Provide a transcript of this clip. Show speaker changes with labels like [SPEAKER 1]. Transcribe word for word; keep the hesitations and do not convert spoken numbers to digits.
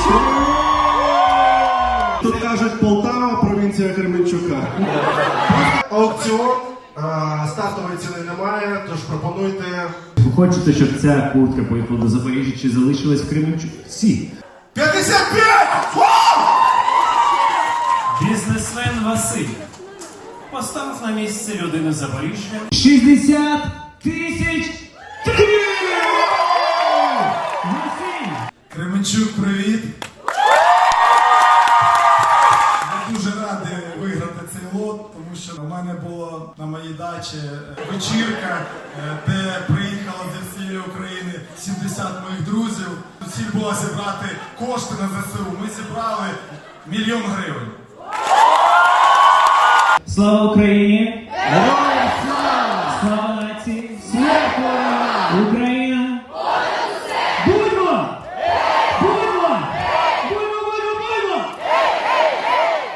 [SPEAKER 1] Тут кажуть Полтава, провінція Кременчука. Аукціон, стартової ціни немає, тож пропонуйте.
[SPEAKER 2] Ви хочете, щоб ця куртка поїхала до Запоріжжя чи залишилась в Кременчуці?
[SPEAKER 1] п'ятдесят п'ять!
[SPEAKER 3] Бізнесмен Василь поставив на місце людини Запоріжжя.
[SPEAKER 2] шістдесят тисяч гривень! Василь!
[SPEAKER 4] Кременчук, привіт! Я дуже радий виграти цей лот, тому що у мене була на моїй дачі вечірка, де приїхало зі всієї України сімдесят моїх друзів. Ціль була зібрати кошти на ЗСУ. Ми зібрали мільйон гривень.
[SPEAKER 2] Слава Україні!